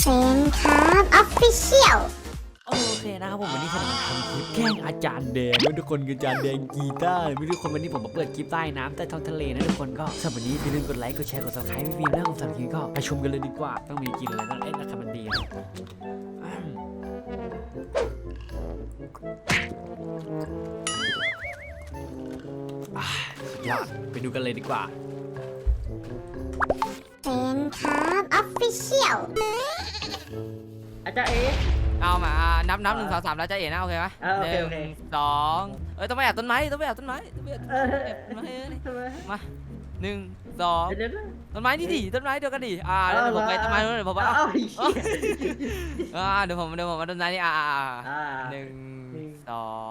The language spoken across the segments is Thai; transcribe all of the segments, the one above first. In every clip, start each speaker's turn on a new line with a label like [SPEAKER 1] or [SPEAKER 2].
[SPEAKER 1] เซนครับออฟฟิเชียล
[SPEAKER 2] โอเคนะครับผมวันนี้จะมาทำคลิปแกล้งอาจารย์แดงไม่ทุกคนคืออาจารย์แดงกีตาร์ไม่ทุกคนวันนี้ผมมาเปิดคลิปใต้น้ำใต้ท้องทะเลนะทุกคนก็สำหรับวันนี้อย่าลืมกดไลค์กดแชร์กดซับสไครป์พี่ๆแล้วของสำหรับคลิปก็ไปชมกันเลยดีกว่าต้องมีกินอะไรต้องนะครับมันดีสุดยอดไปดูกันเลยดีกว่า
[SPEAKER 1] เซนครับออฟฟิเชียล
[SPEAKER 3] อาจารย์เอ
[SPEAKER 4] เอามานับ1 2 3แล้วจะเอ๋นะโอเคไหม
[SPEAKER 3] โอเค
[SPEAKER 4] 1 2ต้องไปแอบต้นไม้ต้องไปแอบต้นไม้ต้องไปแอบต้นไม้มา1 2ต้นไม้นี่ดิต้นไม้เดียวกันดิเดี๋ยวผมไปต้นไม้นู้นเดี๋ยวผมว่าเดี๋ยวผมมาต้นไม้นี่1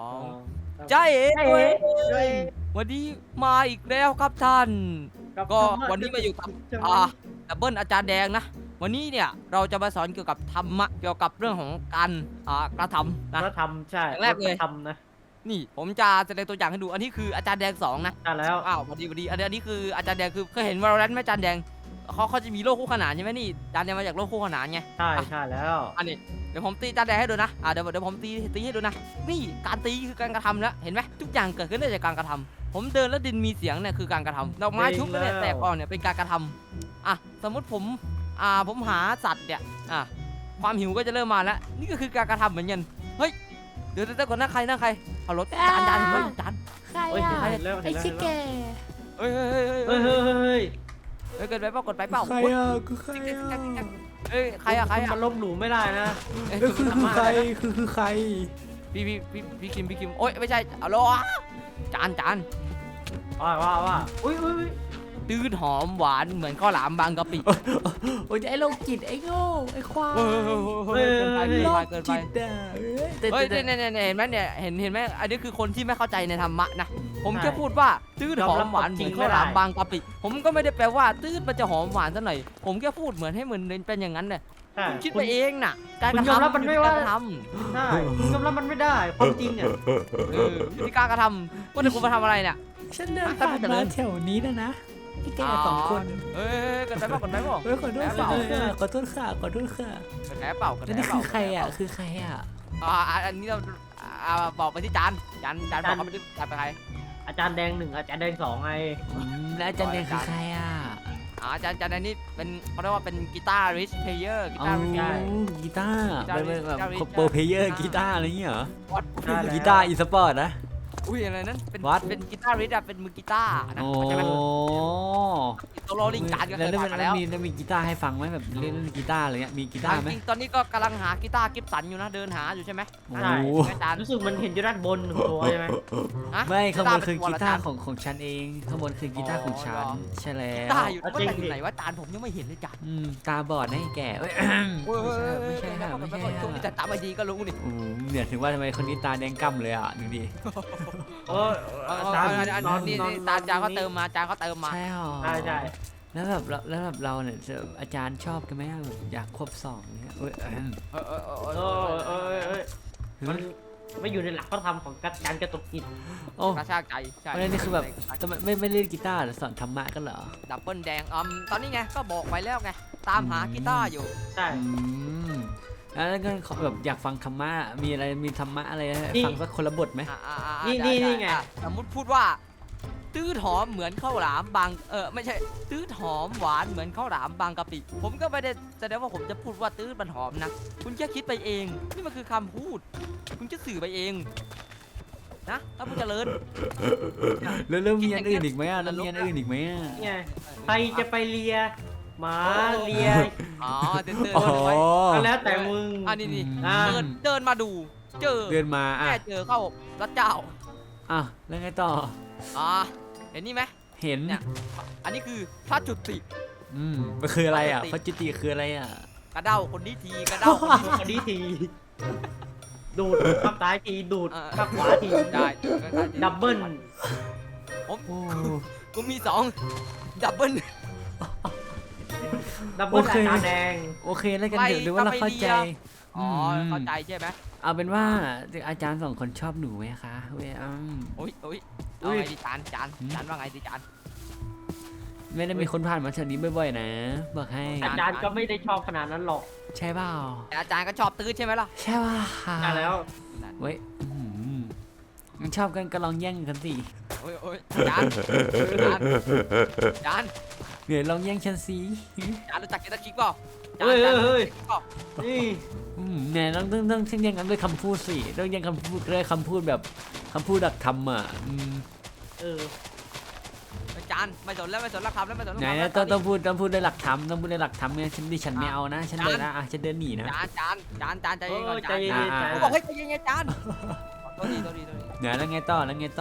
[SPEAKER 4] 2จ้าเอ๋วันนี้มาอีกแล้วครับท่านก็วันนี้มาอยู่กับดับเบิลอาจารย์แดงนะวันนี้เนี่ยเราจะมาสอนเกี่ยวกับธรรมะเกี่ยวกับเรื่องของการกระทำนะ
[SPEAKER 3] กระทำใช่
[SPEAKER 4] แรกเลย
[SPEAKER 3] ทำนะ
[SPEAKER 4] นี่ผมจะแสดงตัวอย่างให้ดูอันนี้คืออาจารย์แดง2นะ
[SPEAKER 3] ใช่แล้ว
[SPEAKER 4] พอดีอันนี้คืออาจารย์แดงคือเคยเห็นValorantไหมอาจารย์แดงเขาจะมีโลกคู่ขนานใช่ไหมนี่อาจารย์แดงมาจากโลกคู่ขนานไง
[SPEAKER 3] ใช่แล้ว
[SPEAKER 4] อันนี้เดี๋ยวผมตีอาจารย์แดงให้ดูนะเดี๋ยวผมตีให้ดูนะนี่การตีคือการกระทำแล้วเห็นไหมทุกอย่างเกิดขึ้นได้จากการกระทำผมเดินแล้วดินมีเสียงเนี่ยคือการกระทำดอกไม้ชุบเนี่ยแตกอ่อนเนี่ยเป็นการกระทำสมมติผมหาสัตว์เนี่ยความหิวก็จะเริ่มมาแล้วนี่ก็คือการกระทำเหมือนกันเฮ้ยเดี๋ยวก่อนนะใครเอารถจานเห็นไหมจาน
[SPEAKER 1] ใครไอชิเกะ
[SPEAKER 4] เฮ้ยเกิดไปเปล่ากดไปเปล่า
[SPEAKER 2] ใครคือใคร
[SPEAKER 4] เฮ้ยใคร
[SPEAKER 3] มันลบหลู่ไม่ได้นะ
[SPEAKER 2] คือใครคือใคร
[SPEAKER 4] พี่คิมโอ๊ยไม่ใช่เอาล้อจาน
[SPEAKER 3] ว่าอุ้ย
[SPEAKER 4] ตื้นหอมหวานเหมือนข้าวหลามบางกะปิ
[SPEAKER 2] โอ้ยไอ้โรคจิตไอ้โง่ไอ้ควาย
[SPEAKER 4] เกินไปเฮ้ยเนี่ยเห็นไหมเนี่ยเห็นไหมอันนี้คือคนที่ไม่เข้าใจในธรรมะนะผมแค่พูดว่าตื้นหอมหวานเหมือนข้าวหลามบางกะปิผมก็ไม่ได้แปลว่าตื้นมันจะหอมหวานซะหน่อยผมแค่พูดเหมือนให้เหมือนเป็นอย่างนั้นเลยคิดไปเองน่ะ
[SPEAKER 3] การกระทำมันไม่ว่าใช่ยอมรับมันไม่ได้ความจริงเนี่ย
[SPEAKER 4] ที่การกระทำว่าแต่คุณมาทำอะไรเนี่ย
[SPEAKER 2] ฉันเดินผ่านมาแถวนี้นะพี่แก2 คน
[SPEAKER 4] กันไปเปล่าขอโทษ
[SPEAKER 2] ค่ะ
[SPEAKER 4] กันแพ้เปล่า
[SPEAKER 2] นี่คือใคร
[SPEAKER 4] อันนี้เราบอกไปที่จานบอกเขาไปที่จานไปใคร
[SPEAKER 3] อาจารย์แดง1อาจารย์แดง2ไง
[SPEAKER 2] แล้วอาจารย์แดงคือใคร
[SPEAKER 4] อาจารย์แดงนี่เป็นเขาเรียกว่าเป็นกีตาร์ริชเพลเยอร์กีตาร์
[SPEAKER 2] เป็นแบบโปรเพลเยอร์กีตาร์อะไรเงี้ยเหรอกีตาร์อีสปอร์ตนะ
[SPEAKER 4] อุ้ยอะไรนั้นเป็นกีตาร์ริชเป็นมือกีตาร์นะใช่ไหมโซโล่ลิงการก็เคยฟังแล้ว
[SPEAKER 2] มีกีตาร์ให้ฟังไหมแบบเล่นกีตาร์อะไรเงี้ยมีกีตาร์ไหม
[SPEAKER 4] ตอนนี้ก็กำลังหากีตาร์กิฟสันอยู่นะเดินหาอยู่ใช่ไหม
[SPEAKER 3] ใช่รู้สึกมันเห็นอยู่ด้านบนตัวใช่ไหม
[SPEAKER 2] ไม่ข้างบนคือกีตาร์ของฉันเองข้างบนคือกีตาร์ของฉันใช่แล้ว
[SPEAKER 4] กีตาร์อยู่ไหนว่าจานผมยังไม่เห็นเลยจาน
[SPEAKER 2] ตาบอดนะแกไม่ใช่
[SPEAKER 4] แต่ตาไม่ดีก็รู้นี่
[SPEAKER 2] เนี่ยถึงว่าทำไมคนนี้ตาแดงก่ำเลยดูดิ
[SPEAKER 4] นี่จานเขาเติมมาใช่
[SPEAKER 2] แล้วแบบเราเนี่ยอาจารย์ชอบกันไหมแบบอยากควบ2เนี่ย
[SPEAKER 3] มันไม่อยู่ในหลักพระธรรมของการกระตุกจิต
[SPEAKER 4] กระชากใจใช่
[SPEAKER 2] นี่คือแบบไม่เล่นกีตาร์หรือสอนธรรมะกันเหรอ
[SPEAKER 4] ดับเบิลแดงตอนนี้ไงก็บอกไปแล้วไงตามหากีตาร์อยู่
[SPEAKER 3] ใช่
[SPEAKER 2] แล้วก็แบบอยากฟังธรรมะมีธรรมะอะไรฟังสักคนละบทไหม
[SPEAKER 3] นี่ไง
[SPEAKER 4] สมมติพูดว่าตื้อหอมเหมือนข้าวหลามบางไม่ใช่ตื้อหอมหวานเหมือนข้าวหลามบางกะปิผมก็ไม่ได้แสดงว่าผมจะพูดว่าตื้อมันหอมนะคุณแค่คิดไปเองนี่มันคือคำพูดคุณจะสื่อไปเองนะถ้าพูดเจริญ
[SPEAKER 2] แล้วมีอันอื่นอีกไหมแล้วมีอันอื่นอีกไหม
[SPEAKER 3] ใครจะไปเลียหมาเลีย
[SPEAKER 4] เดินไว้
[SPEAKER 3] แล้วแต่มึง
[SPEAKER 4] นี่เดินมาดูเ
[SPEAKER 2] ดินมา
[SPEAKER 4] แค่เจอเข้าพระเจ้า
[SPEAKER 2] แล้วไงต่อ
[SPEAKER 4] เห็นนี่ไหม
[SPEAKER 2] เห็น
[SPEAKER 4] เนี่ยอันนี้คือพระจุติ
[SPEAKER 2] มันคืออะไรพระจุติคืออะไร
[SPEAKER 4] กระเด้าคนนี้ทีกระเด้า
[SPEAKER 3] คนนี้ทีดูดข้างซ้ายทีดูดข้างขวาที
[SPEAKER 4] ได้
[SPEAKER 3] ดับเบิ้ล
[SPEAKER 4] ผมมี2ดับเบิ้ล
[SPEAKER 3] อาจารย์แดง
[SPEAKER 2] โอเคแล้วกันหรือว่าเราเข้าใจ
[SPEAKER 4] เข้าใจใช่ไหม
[SPEAKER 2] เอาเป็นว่าอาจารย์2 คนชอบหนูไหมคะ
[SPEAKER 4] โอ้ยเอาไงดิจานว่าไงดิจาน
[SPEAKER 2] ไม่ได้มีคนผ่านมาแถวนี้บ่อยๆนะบอกให้
[SPEAKER 3] อาจารย์ก็ไม่ได้ชอบขนาดนั้นหรอก
[SPEAKER 2] ใช่เปล่า
[SPEAKER 4] แต่อาจารย์ก็ชอบตื้อใช่ไหมล่ะ
[SPEAKER 2] ใช่ป่ะ
[SPEAKER 3] ใช่แล้ว
[SPEAKER 2] เว้ยงั้นชอบกันก็ลองแย่งกันสิ
[SPEAKER 4] โอ้ยอาจารย์อาจารย์
[SPEAKER 2] เดี๋ยวลองแย่งฉันสิ
[SPEAKER 4] อาจารย์รู้จักเกตคิกเปล่า
[SPEAKER 3] เฮ้ยเฮ้ยนี่
[SPEAKER 2] เนี่ยต้องแย่งกันด้วยคำพูดสิต้องแย่งคำพูดด้วยคำพูดแบบคำพูดดักทำอ่ะ
[SPEAKER 3] เออ
[SPEAKER 4] อาจารย์ไม่สนแล้วไม่สนแล้วครับแล้วไม่สนแล้ว
[SPEAKER 2] ไหนนะต้องพูดด้วยหลักธรรมต้องพูดด้วยหลักธรรมไงฉันไม่เอานะฉันเดินนะฉันเดินหนีนะ
[SPEAKER 4] อาจารย์ใจเย็นก่อน
[SPEAKER 3] ใจเย็น
[SPEAKER 4] เขาบอกให้ใจเย็นอาจารย์โทษที
[SPEAKER 2] เนี่ยแล้วไงต่อ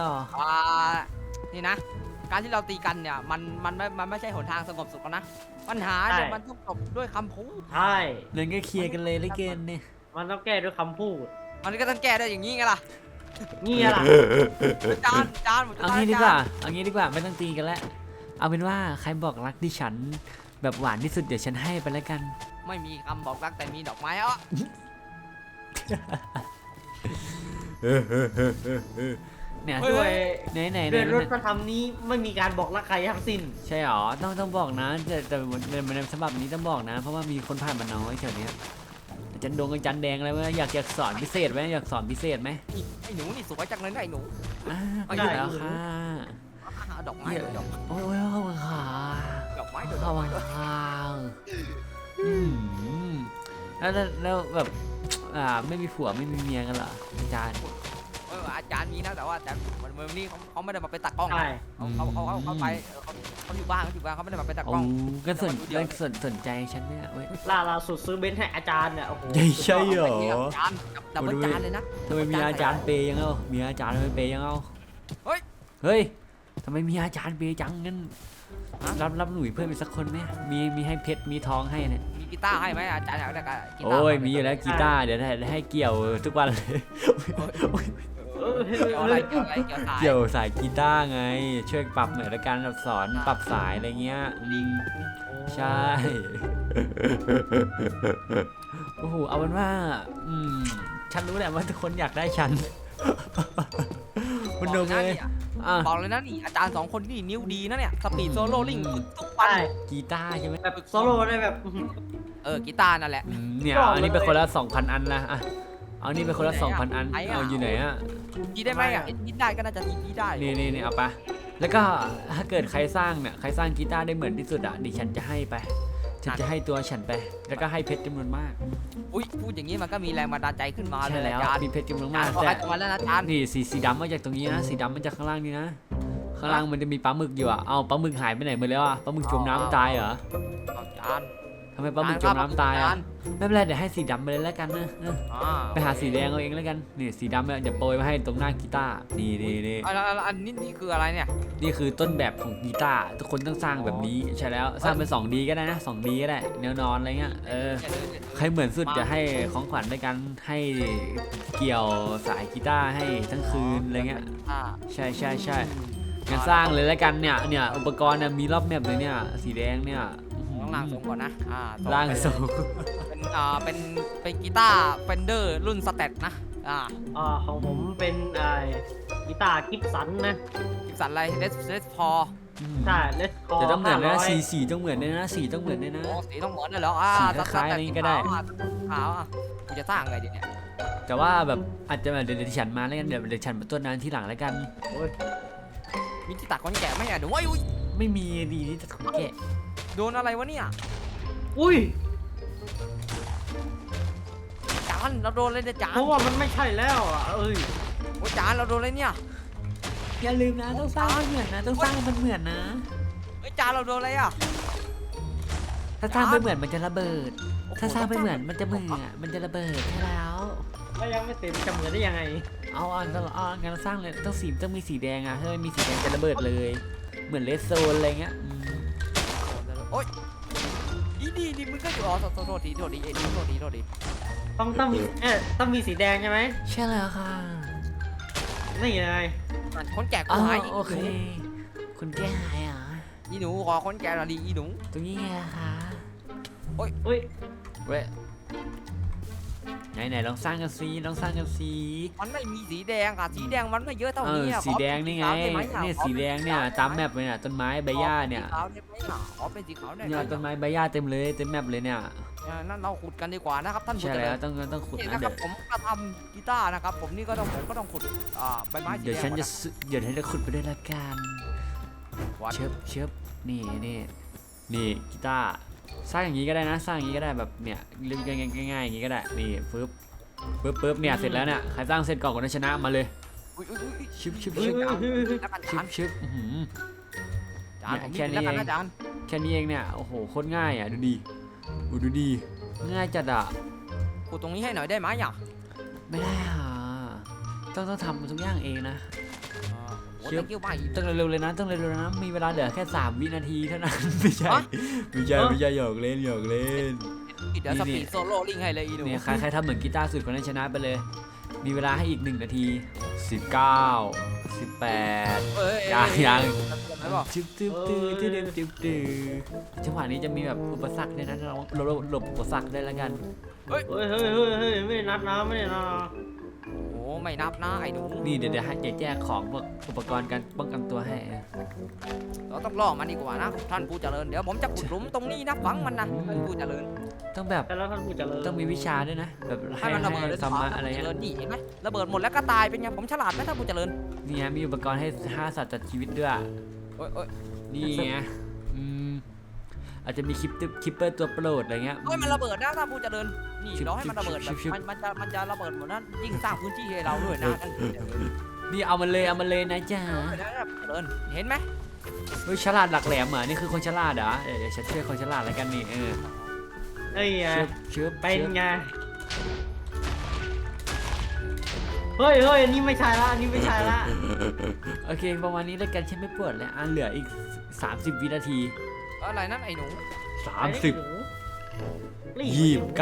[SPEAKER 4] นี่นะ การที่เราตีกันเนี่ยมันไม่ใช่หนทางสงบสุขนะปัญหาเนี่ยมันต้องจบด้วยคำพูด
[SPEAKER 3] ใช่
[SPEAKER 2] นั่นก็เคลียร์กันเลยเลยเกนเนี่ย
[SPEAKER 3] มันต้องแก้ด้วยคำพูด
[SPEAKER 4] มันก็ต้องแก้ได้อย่างนี้ไงล่ะ
[SPEAKER 3] เงี้ยล่ะ
[SPEAKER 4] อาจารย์ผมจะ
[SPEAKER 2] เอางี้ดีกว่าไม่ต้องตีกันแล้วเอาเป็นว่าใครบอกรักดิฉันแบบหวานที่สุดเดี๋ยวฉันให้ไปแล้วกัน
[SPEAKER 4] ไม่มีคำบอกรักแต่มีดอกไม้อ่ะ
[SPEAKER 2] เนี่ย
[SPEAKER 3] ด้วย
[SPEAKER 2] ไหน
[SPEAKER 3] ด้วยรถพระธรรมนี้ไม่มีการบอกรักใครทั้งสิ้น
[SPEAKER 2] ใช่หรอต้องบอกนะแต่ในฉบับนี้ต้องบอกนะ เพราะว่ามีคนผ่านมาน้อยแถวนี้อาจารย์ดงอาจารย์แดงอะไรไหมอยากสอนพิเศษไหมอยากสอนพิเศษไหม
[SPEAKER 4] ไอ้หนูนี่สวยจังเลยนะไอ้หนู
[SPEAKER 2] ก็อยู่แล้วค่ะ
[SPEAKER 4] ดอกไม้ดอก
[SPEAKER 2] โอ้ยขอบคุณค่ะ
[SPEAKER 4] ดอกไม้
[SPEAKER 2] ขอบคุณค่ะแล้วแบบไม่มีผัวไม่มีเมียกันเหรออาจารย์
[SPEAKER 4] อาจารย์มีนะแต่ว่าแต่วันนี้เขาไม่ได้มาเป็นตากล้อง
[SPEAKER 3] ใช่
[SPEAKER 4] เขาไปเขาอยู่บ้านเขาไม่ได้มาเป็นตากล้อง
[SPEAKER 2] ก็สนใจฉันเนี่ยเว้ย
[SPEAKER 3] ล่าสุดซื้อเบนซ์ให้อาจารย์เนี่ยโอ้โห
[SPEAKER 2] ใช่เหรอ
[SPEAKER 4] อาจารย์ดับเบิลจานเลยนะ
[SPEAKER 2] ทำไมมีอาจารย์เปย์ยังเอามีอาจารย์ไม่เปย์ยังเอาเฮ้ยทำไมมีอาจารย์เปย์จังงั้นรับหนุ่ยเพิ่มอีกสักคนไหมมีให้เพชรมีทองให้เนี่ย
[SPEAKER 4] มีกีตาร์ให้ไหมอาจารย์อยากได้กีตาร์
[SPEAKER 2] โอ้ยมีอยู่แล้วกีตาร์เดี๋ยวให้เกี่ยวทุกวันเลย
[SPEAKER 4] อะไรเกี่ยวสาย
[SPEAKER 2] เกี่ยวสายกีตาร์ไงช่วยปรับหน่อยละกันแบบสอนปรับสายอะไรเงี้ยใช่โอ้โหเอาเป็นว่าฉันรู้แหละว่าทุกคนอยากได้ฉันคุณดูเลย
[SPEAKER 4] บอกเลยนะนี่อาจารย์2คนนี่นิ้วดีนะเนี่ยสปีดโซโล่ลิงทุกวัน
[SPEAKER 2] กีตาร์ใช่ไหม
[SPEAKER 3] แบบโซโล่ได้แบบ
[SPEAKER 4] กีตาร์นั่นแหละ
[SPEAKER 2] เนี่ยอันนี้เป็นคนละ 2,000 อันนะเอานี่เป็นคนละ 2,000 อันเอาอยู่ไหนอ่ะ
[SPEAKER 4] กีได้ไหมอ่ะกีได้ก็น่าจะกีได้
[SPEAKER 2] นี่เอาปะแล้วก็ถ้าเกิดใครสร้างกีตาร์ได้เหมือนที่สุดอ่ะดิฉันจะให้ไปฉันจะให้ตัวฉันไปแล้วก็ให้เพชรจำนวนมาก
[SPEAKER 4] อุ้ยพูดอย่างนี้มันก็มีแรงบันดาลใจขึ้นมาเล
[SPEAKER 2] ใช่
[SPEAKER 4] ย
[SPEAKER 2] แล้ว
[SPEAKER 4] อาจารย์
[SPEAKER 2] มีเพชรจำนวนมาก
[SPEAKER 4] แต่
[SPEAKER 2] แต่
[SPEAKER 4] วันแล้วนะอาจารย์
[SPEAKER 2] นี่สีดำมาจากตรงนี้นะสีดำมาจากข้างล่างนี่นะข้างล่างมันจะมีปลาหมึกอยู่อ่ะเอาปลาหมึกหายไปไหนหมดแล้วอ่ะปลาหมึกจมน้ำตายเหรอ
[SPEAKER 4] อาจารย์
[SPEAKER 2] ทำไมปลาหมึกจมน้ำตายอ่ะไม่เป็นไรเดี๋ยวให้สีดำไปเลยแล้วกันนะไปหาสีแดงเอาเองแล้วกันนี่สีดำเนี่ยจะโปรยมาให้ตรงหน้ากีตาร์นี่
[SPEAKER 4] อันนี้คืออะไรเนี่ย
[SPEAKER 2] นี่คือต้นแบบของกีตาร์ทุกคนต้องสร้างแบบนี้ใช่แล้วสร้างเป็น 2D ก็ได้นะ 2D ก็ได้แนวนอนอะไรเงี้ยใครเหมือนสุดจะให้ของขวัญด้วยกันให้เกี่ยวสายกีตาร์ให้ทั้งคืนอะไรเงี้ยใช่งั้นสร้างเลยแล้วกันเนี่ยอุปกรณ์มีรอบแมปเลยเนี่ยสีแดงเนี่ย
[SPEAKER 4] ต้องล่างทรงก่อนนะ
[SPEAKER 2] ร่างทรง
[SPEAKER 4] เป็นกีตาร์เฟนเดอร์รุ่นสเตตนะ
[SPEAKER 3] ของผมเป็นกีตาร์กิฟสันนะ
[SPEAKER 4] กิฟสันอะไรเลสพอ
[SPEAKER 3] ใช่เลสคอ
[SPEAKER 2] แต่ต้องเหมือนนะสีต้องเหมือนเลยนะสีต้องเหมือนเลยนะ
[SPEAKER 4] สีต้องเหมือนเลยเหรอ
[SPEAKER 2] สีคล้ายๆนี้ก็ได้
[SPEAKER 4] ขาวกูจะสร้างไงดีเนี่ย
[SPEAKER 2] แต่ว่าแบบอาจจะเดี๋ยวฉันมาแล้วกันเดี๋ยวฉันมาตัวนานที่หลังแล้วกัน
[SPEAKER 4] มีที่ตักคนแก่ไหมอ่ะเดี๋ยวอุ้ย
[SPEAKER 2] ไม่มีดีที่จะของแกะ
[SPEAKER 4] โดนอะไรวะเนี่ย
[SPEAKER 3] อุ้ย
[SPEAKER 4] จานเราโดนเลยเนี่ยจาน
[SPEAKER 3] เพราะว่ามันไม่ใช่แล้วโ
[SPEAKER 4] อ้จานเราโดนเลยเนี่ย
[SPEAKER 2] อย่าลืมนะต้องสร้างมันเหมือนนะต้องสร้างมันเหมือนนะ
[SPEAKER 4] จานเราโดนอะไรอ่ะ
[SPEAKER 2] ถ้าสร้างไม่เหมือนมันจะระเบิด ถ้าสร้างไม่เหมือนมันจะมันจะระเบิดใช่แล้ว
[SPEAKER 3] ก็ยังไม่เต็มจะเหมือนได้ยังไง
[SPEAKER 2] เอางั้นสร้างเลยต้องมีสีแดงอ่ะถ้าไม่มีสีแดงจะระเบิดเลยเหมือนเลสโซนอะไรเงี้ย
[SPEAKER 4] โอ๊ยดีมึงก็อยู่โทษที
[SPEAKER 3] ต้องมีสีแดงใช่ไหม
[SPEAKER 2] ใช่แล้วค่ะ
[SPEAKER 3] นี่ไง
[SPEAKER 4] คนแก่กูหาย
[SPEAKER 2] โอเคคุณแก้หายเหรอ
[SPEAKER 4] อีหนูขอคนแก่หน่อยดิอีหนู
[SPEAKER 2] ตรงนี้ไงคะ
[SPEAKER 3] อุ้ย
[SPEAKER 2] เว้ยไหนลองสร้างกันสิลองสร้างกันสิ
[SPEAKER 4] มันไม่มีสีแดงอ่ะสีแดงมันไม่เยอะเท่า
[SPEAKER 2] เอ
[SPEAKER 4] นี้
[SPEAKER 2] อ
[SPEAKER 4] อะ
[SPEAKER 2] สีแดงนี่ไง
[SPEAKER 4] ขอเป็นสีขาวด้หมอะ
[SPEAKER 2] เนี่ย
[SPEAKER 4] ขอ
[SPEAKER 2] สี
[SPEAKER 4] เป็น
[SPEAKER 2] แดงเนี่ยตามแมปเลยเนี่ยต้นไม้ใบหญ้าเนี่ย
[SPEAKER 4] ขอเป็นสีขาวได้ไหมอะขอเป็นสีขาวได้ไหม
[SPEAKER 2] เนี่ยต้นไม้ใบหญ้าเต็มเลยเต็มแมปเลยเนี่ย
[SPEAKER 4] นั่นเราขุดกันดีกว่านะครับท่านผู้
[SPEAKER 2] ใช่
[SPEAKER 4] เจริ
[SPEAKER 2] แล้ว
[SPEAKER 4] ญ
[SPEAKER 2] ต้องขุด
[SPEAKER 4] นี่
[SPEAKER 2] นะ
[SPEAKER 4] นะครับผมก็ทำกีตาร์นะครับผมนี่ก็ต้องขุดใบไม้สี
[SPEAKER 2] เดี๋ยว
[SPEAKER 4] แดง
[SPEAKER 2] ฉันจะ
[SPEAKER 4] ก่อ
[SPEAKER 2] เดี๋ยวฉันจะขุดไปด้วยละกัน
[SPEAKER 4] วัด
[SPEAKER 2] เชิบนี่กีตาร์สร้างอย่างนี้ก็ได้นะสร้างอย่างนี้ก็ได้แบบเนี่ยเล่นง่ายๆอย่างนี้ก็ได้นี่ปึ๊บเนี่ยเสร็จแล้วเนี่ยใครสร้างเสร็จก่อนคนนั้นชนะมาเลย
[SPEAKER 4] อุ๊ย
[SPEAKER 2] ชึบ
[SPEAKER 4] แล้วกัน
[SPEAKER 2] ชึ
[SPEAKER 4] จา
[SPEAKER 2] บ
[SPEAKER 4] น
[SPEAKER 2] ชึบอื้อหือ
[SPEAKER 4] จานผม
[SPEAKER 2] แค่
[SPEAKER 4] นี่
[SPEAKER 2] นี้
[SPEAKER 4] แล้วกัน
[SPEAKER 2] เอง
[SPEAKER 4] นะจาน
[SPEAKER 2] แค่นี้เองเนี่ยโอ้โหโคตรง่ายอ่ะดูดิดูดิง่ายจัดอ่ะ
[SPEAKER 4] ขุดตรงนี้ให้หน่อยได้ไหมอ่ะ
[SPEAKER 2] ไม่ได้อ่ะต้องทำทุกอย่างเองนะ
[SPEAKER 4] โอ้ยกิ้วไป
[SPEAKER 2] ต้องเร็วๆเลยนะต้องเร็วๆนะมีเวลาเหลือแค่3 วินาทีเท่านั้น ไม่ใช่หยอกเล่น
[SPEAKER 4] เดี๋ยวสปีดโซโล่ลิงให้เลยอีหนู
[SPEAKER 2] เนี่ยใครทำเหมือนกีตาร์สุดคนนั้นชนะไปเลย มีเวลาให้อีก1 นาที 19 18
[SPEAKER 4] เอ้ย
[SPEAKER 2] ยัง
[SPEAKER 4] ไม่บอก
[SPEAKER 2] จึ๊บจังหวะนี้จะมีแบบอุปสรรคด้วยนะเราหลบอุปสรรคได้แล้วกัน
[SPEAKER 3] เฮ้ยไม่ได้นัดนะไม่ได้นัดนะ
[SPEAKER 4] โอ้ไม่นับนะไอ้หนู
[SPEAKER 2] นี่เดี๋ยวให้แจกของพวกอุปกรณ์การป้องกันตัวให้
[SPEAKER 4] เราต้องล่อมันดีกว่านะท่านผู้เจริญเดี๋ยวผมจะขุดหลุมตรงนี้นะฝังมันนะท่านผู้เจริญ
[SPEAKER 2] ต้องแบบ
[SPEAKER 3] แต่แล้วท่านผู้เจริญ
[SPEAKER 2] ต้องมีวิชาด้วยนะแบบ
[SPEAKER 4] ให้มันระเบิดเลย
[SPEAKER 2] ธรรมะอะไร
[SPEAKER 4] เจ
[SPEAKER 2] เงี้ย
[SPEAKER 4] ริญนี่เห็นไหมระเบิดหมดแล้วก็ตายเป็นไงผมฉลาดไหมท่านผู้เจริญ
[SPEAKER 2] นี่ฮะมีอุปกรณ์ให้5 สัตว์ตัดชีวิตด้วย
[SPEAKER 4] โอ้ย
[SPEAKER 2] นี่ไงอาจจะมีคิปเปอร์ตัวโปรดอะไรเงี้ย
[SPEAKER 4] เฮ้ยมันระเบิดนะท่านผู้เจริญนี่เราให้มันระเบิดแบบ
[SPEAKER 2] ชิบ
[SPEAKER 4] มันจะระเบิดหมดนั้นยิ่งสร้างพื้นที่ให้เราด้วยนะท่านผู้เจริญ
[SPEAKER 2] นี่เอามันเลยนะจ๊ะ
[SPEAKER 4] เจริญเห็นไหม
[SPEAKER 2] เฮ้ยฉลาดหลักแหลมเหรอนี่คือคนฉลาดเหรอเดี๋ยวฉันช่วยคนฉลาดแล้วกันนี่
[SPEAKER 3] ไอ้ไง
[SPEAKER 2] เชิบ
[SPEAKER 3] เป็นไงเฮ้ยอันนี้ไม่ใช่ละอันนี้ไม่ใช่ละ
[SPEAKER 2] โอเคประมาณนี้แล้วกันฉันไม่ปวดแล้วเหลืออีก30 วินาที
[SPEAKER 4] อะไรนั่นไอ้หนู
[SPEAKER 2] 30 29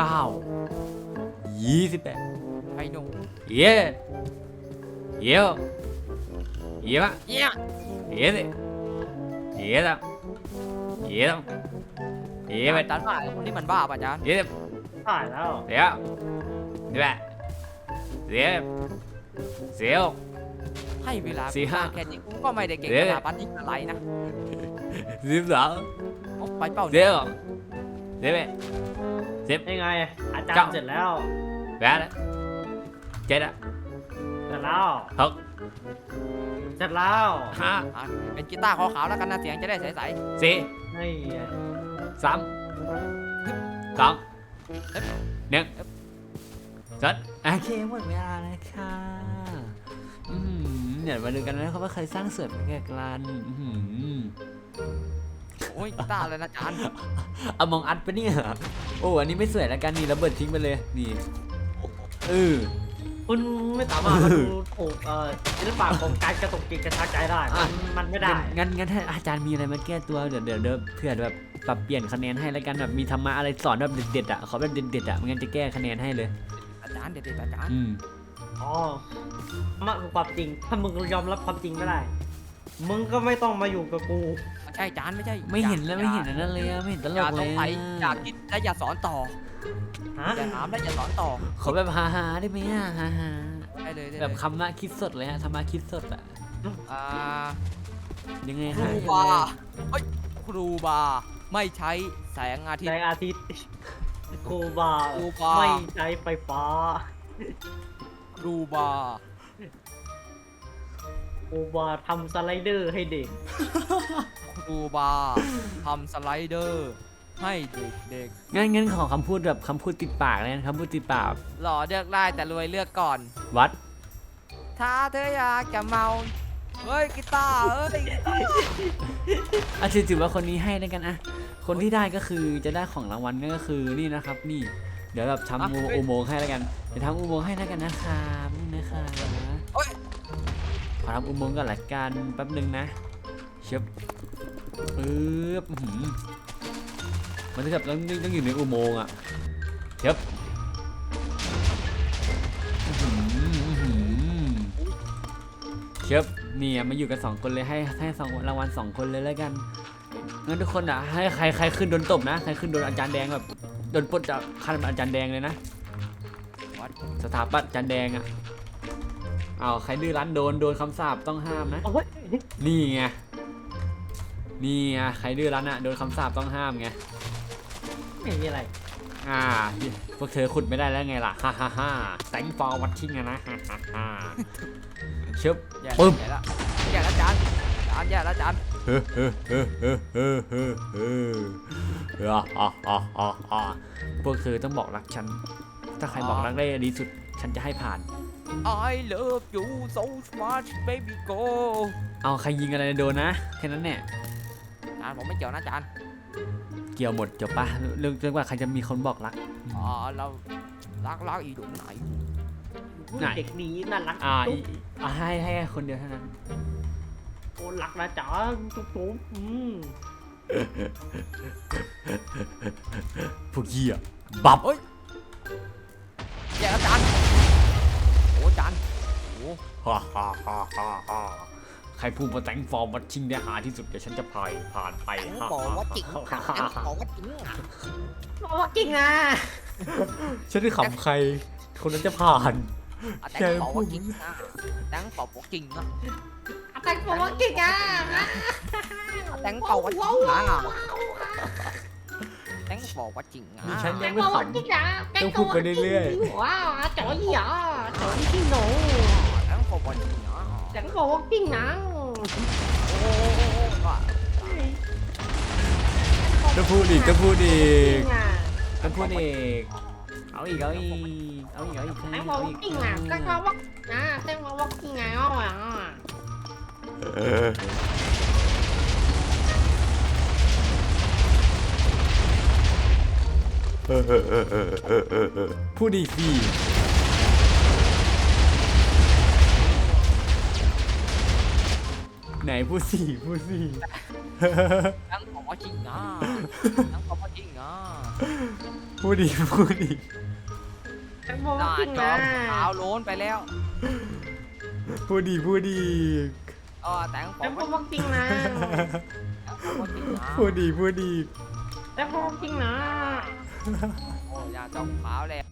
[SPEAKER 2] 28
[SPEAKER 4] ไอ้หนู
[SPEAKER 2] เย้เย้ปะ
[SPEAKER 4] เยี่ย
[SPEAKER 2] เย้สิเย้ละเย้ละเย้ไป
[SPEAKER 4] จานบ้าคนนี้มันบ้าป่ะจาน
[SPEAKER 2] เย้
[SPEAKER 3] ถ่ายแล้ว
[SPEAKER 2] เดี๋ยวนี่แหละเสียว
[SPEAKER 4] ให้เวลา
[SPEAKER 2] สี่ห้า
[SPEAKER 4] แค่นี้กูก็ไม่ได้เก่ง
[SPEAKER 2] เดี๋ยว
[SPEAKER 4] ขนาดปฏิอะไรนะ
[SPEAKER 2] 12
[SPEAKER 4] เอาไปเป้า
[SPEAKER 2] เดี๋ยวไป
[SPEAKER 3] ยังไงอาจารย์เสร็จแล้ว
[SPEAKER 2] 8 7
[SPEAKER 3] เสร็จแล้ว
[SPEAKER 2] 6
[SPEAKER 3] เสร็จแล้ว
[SPEAKER 4] อ่ะเป็นกีตาร์ขาวๆแล้วกันนะเสียงจะได้ใส
[SPEAKER 2] 5 4
[SPEAKER 3] ไอ้
[SPEAKER 2] 3 2 1จัดโอเคหมดเวลาแล้วค่ะเดี๋ยวมาดูกันนะครับว่าใครสร้างเสริมแก่กัน
[SPEAKER 4] ๆโอ้ยกีตาร์อะไรนะจาน
[SPEAKER 2] เอามองอัดไปะเนี่ยโอ้อันนี้ไม่สวยแล้วกันนี่ระเบิดทิ้งไปเลยนี่
[SPEAKER 3] คุณไม่สามารถมาดูถูกศิลปะของการกระตุกจิตกระชากใจได้มันไม่ได้
[SPEAKER 2] งั้นถ้าอาจารย์มีอะไรมาแก้ตัวเดี๋ยวเผื่อแบบปรับเปลี่ยนคะแนนให้แล้วกันแบบมีธรรมะอะไรสอนแบบเด็ดๆอ่ะขอแบบเด็ดๆอ่ะไม่งั้นจะแก้คะแนนให้เลย
[SPEAKER 4] อาจารย์เด็ดๆอาจารย์
[SPEAKER 3] อ๋อมันคือความจริงถ้ามึงยอมรับความจริงไม่ได้มึงก็ไม่ต้องมาอยู่กับกู
[SPEAKER 4] ไม่ใช่จานไม่ใช่
[SPEAKER 2] ไม่เห็นแล้วไม่เห็นอันนั้นเลยอะไม่เห็นตล
[SPEAKER 4] อย่าก
[SPEAKER 2] เล
[SPEAKER 4] ต้อยงไปอย่าคิดและอย่าสอนต่อ
[SPEAKER 3] ฮะ
[SPEAKER 4] อย่าถามและอย่าสอนต่อ
[SPEAKER 2] ขอแบบฮาๆได้ไหมอะฮา
[SPEAKER 4] ได้เลย
[SPEAKER 2] ๆแบบคำว่าคิดสดเลยฮะธรรมะคิดสดอะ
[SPEAKER 4] อ่า
[SPEAKER 2] ยังไง
[SPEAKER 4] ครู
[SPEAKER 2] ฮะ
[SPEAKER 4] บาเฮ้ยครูบาไม่ใช้แสงอาทิต
[SPEAKER 3] ใน
[SPEAKER 4] ย์
[SPEAKER 3] อาทิตย์ครูบา
[SPEAKER 4] ครูบา
[SPEAKER 3] ไม่ใช้ไฟฟ้า
[SPEAKER 4] ครูบา
[SPEAKER 3] ครูบาทำสไลเดอร์ให้เด็ก
[SPEAKER 4] ครูบาทำสไลเดอร์ให้เด็ก
[SPEAKER 2] งั้นขอคำพูดแบบคำพูดติดปากเลยนะคำพูดติดปาก
[SPEAKER 4] ๆหล่อเลือกได้แต่รวยเลือกก่อน
[SPEAKER 2] วัด
[SPEAKER 4] ถ้าเธออยากจะเมาเฮ้ยกีตาร์เอ้ย
[SPEAKER 2] ถือว่าคนนี้ให้แล้วกันอะคนที่ได้ก็คือจะได้ของรางวัลนั่นก็คือนี่นะครับนี่เดี๋ยวแบบทำอุโมงค์ให้แล้วกันจะทำอุโมงค์ให้แล้วกันนะครับนี่นะคะขอทำอุโมงค์ก่อนละกันแป๊บนึงนะเชิบปึ๊บมันจะแบบต้องอยู่ในอุโมงค์อะเชิบเชิบนี่มาอยู่กัน2 คนเลยให้2 รางวัล2 คนเลยแล้วกันงั้นทุกคนอ่ะให้ใครขึ้นโดนตบนะใครขึ้นโดนอาจารย์แดงแบบโดนปลดจากขั้นอาจารย์แดงเลยนะสถาปัตย์จานแดงอ่ะเอาใครดื้อรั้นโดนคำสาปต้องห้ามนะ
[SPEAKER 3] โอ้ย
[SPEAKER 2] นี่ไงใครดื้อรั้นอ่ะโดนคำสาปต้องห้ามไง
[SPEAKER 3] ไม่มีอะไร
[SPEAKER 2] พวกเธอขุดไม่ได้แล้วไงล่ะฮ่าฮ่าฮ่าแตงฟอร์วัตชิ่งอะนะฮ่าฮ่าฮ่าชึบ
[SPEAKER 4] แย่
[SPEAKER 2] ปึ๊บ
[SPEAKER 4] แล้วแย่แล้วจานแย่แล้วจาน
[SPEAKER 2] พวกเธอต้องบอกรักฉัน ถ้าใครบอกรักได้ดีสุด ฉันจะให้ผ่าน
[SPEAKER 4] I love you so much baby go
[SPEAKER 2] เอาใครยิงอะไรโดนนะแค่นั้นเนี่ย
[SPEAKER 4] จานผมไม่เกี่ยวนะจาน
[SPEAKER 2] เกี่ยวหมดจบปะเรื่องว่าใครจะมีคนบอกรัก
[SPEAKER 4] เรารักอีดุไหน
[SPEAKER 2] ไหน
[SPEAKER 3] เด็กดีน่ารัก
[SPEAKER 2] ให้คนเดียวเท่านั้น
[SPEAKER 3] โอ้รักนะจ๋าจุ๊บ
[SPEAKER 2] พวกเหี้ยบับ
[SPEAKER 4] แย่แล้วจานโอ้จานโอ้
[SPEAKER 2] ใครพูดมาแต่งฟอร์มวัดชิงได้หาที่สุดเดี๋ยวฉันจะผ่านไป
[SPEAKER 4] บอกว่าจริงบอกว่าจริง
[SPEAKER 3] บอกว่าจริงอ่ะ
[SPEAKER 2] ฉันได้ขำใคร คนนั้นจะผ่าน
[SPEAKER 4] แต่บอกว่าจริงนะแต่บอกว่าจริงนะ
[SPEAKER 3] แต่บอกว่าจริงอ่ะ
[SPEAKER 4] แต่บอกว่าจริงนะแต่บอกว่าจริงนะ
[SPEAKER 2] ฉัน
[SPEAKER 3] แต่
[SPEAKER 2] ยัง
[SPEAKER 3] บ
[SPEAKER 2] ไม่
[SPEAKER 3] อก
[SPEAKER 2] ข
[SPEAKER 3] ว่าจริงอ่ะ
[SPEAKER 2] ำต้องพูดไปเรื่อย
[SPEAKER 3] ว้าวจ๋อยอ่ะจ๋อยที่หนู
[SPEAKER 4] แต่บอกว่าจริงนะ
[SPEAKER 3] แต่บอกว่าจริงนะ
[SPEAKER 4] โอ้ว่า
[SPEAKER 2] ๆต้องพูดอีก
[SPEAKER 3] จริงอ่ะ
[SPEAKER 2] ต้องพูดอีก เอาอีก
[SPEAKER 3] แต่บอกว่าจริงอ่ะแต่บอกว่าแต่บอกว่าจริงอ่ะ
[SPEAKER 2] พูดอีกสิไหนพูดสิ
[SPEAKER 4] แต่บอกว่าจริงนะแต่บอกว่าจริงนะ
[SPEAKER 2] พูดอีก
[SPEAKER 3] แต่บอก
[SPEAKER 4] ห
[SPEAKER 3] ว่า
[SPEAKER 4] น้า
[SPEAKER 3] จริง
[SPEAKER 4] จอ
[SPEAKER 3] นะ
[SPEAKER 4] ขาวโล้นไปแล้ว
[SPEAKER 2] พูดอีก
[SPEAKER 4] แต่บ
[SPEAKER 3] แต่
[SPEAKER 4] อก
[SPEAKER 3] บ
[SPEAKER 4] ว่า
[SPEAKER 3] อกว่าจริงนะ
[SPEAKER 4] จริงนะ
[SPEAKER 2] พูดอีก
[SPEAKER 3] แต่บอกว่าจริงนะ
[SPEAKER 4] โอ้ยาจอขาวแล้ว